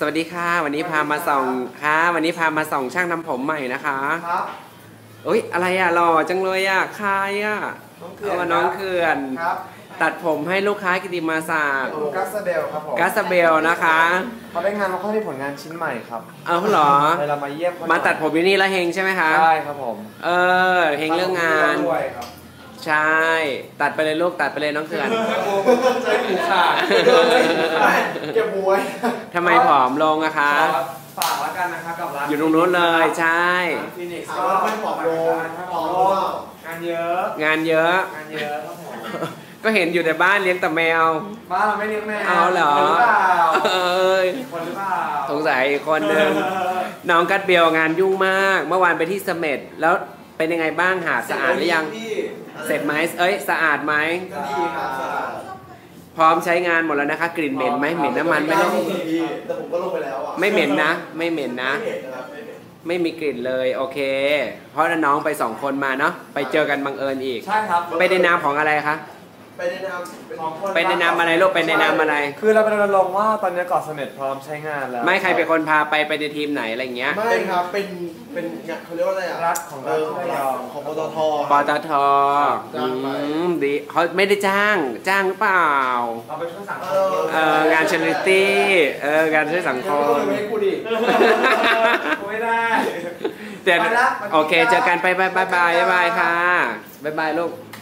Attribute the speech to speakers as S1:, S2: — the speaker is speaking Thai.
S1: วัสดีค่ะวันนี้พามาส่องค่ะวันนี้พามาส่องช่างทำผมใหม่นะคะ
S2: ครับ
S1: เอ้ยอะไรอ่ะหล่อจังเลยอ่ะใครอ่ะน้องเขื่อน
S2: ครับ
S1: ตัดผมให้ลูกค้ากิติมาศักดิ์
S2: กัสเบลครับผม
S1: กัสเบลนะคะ
S2: เขาได้งานเขาได้ผลงานชิ้นใหม่ครับ
S1: เหรอ
S2: เรามาเยี่ยม
S1: มาตัดผมที่นี่แล้วเฮงใช่ไหมคะ
S2: ใช่ครับผม
S1: เฮงเรื่องงานใช่ตัดไปเลยลูกตัดไปเลยน้องเขื่อน
S2: ใจหูขาดเก็บบัว
S1: ทำไมผอมลงอะคะ
S2: ฝากแล้วกันนะครับกับร้าน
S1: อยู่ตรงนู้นเลยใช่
S2: ฟินิกส์ก็ไม่ผอมลงงานเยอะ
S1: งานเยอะ
S2: ครับผม
S1: ก็เห็นอยู่แต่บ้านเลี้ยงแต่แมว
S2: บ้านเราไม่เลี้ยงแมว
S1: เอาเหรอ
S2: คนหรือเปล่า
S1: สงสัยอีกคนหนึ่งน้องกัดเบลงานยุ่งมากเมื่อวานไปที่เสม็ดแล้วเป็นยังไงบ้างหาดสะอาดหรือยังเสร็จไหมสะอาดไหม
S2: ก็ดีครับ
S1: พร้อมใช้งานหมดแล้วนะคะกลิ่นเหม็นไหมเหม็นน้ำมันไหมลูก
S2: แต่ผมก็ลงไปแล้วอ่ะ
S1: ไม่เหม็นนะไม่เหม็นนะไม่มีกลิ่นเลยโอเคเพราะน้องไป2 คนมาเนาะไปเจอกันบังเอิญอีก
S2: ใช่ครับ
S1: ไปในนามของอะไรคะ
S2: ไปในน
S1: ามอะไรลูกไปในนามอะไร
S2: คือเราเป็นลงว่าตอนนี้เกาะเสม็ดพร้อมใช้งานแล้ว
S1: ไม่ใครเป็นคนพาไปในทีมไหนอะไรเงี้ย
S3: ไม่ครับเป็นเขาเรียกว่าอะไรอ่ะ
S2: รัฐของ
S3: ของปตท
S1: ปตทดีเขาไม่ได้จ้างหรือเปล่า
S2: เราไปช่วยสังคม
S1: งานชาริตี้งานช่วยสังคม
S2: ไม่กูดิไม่ได้
S1: โอเคเจอกันไปบายค่ะบายลูก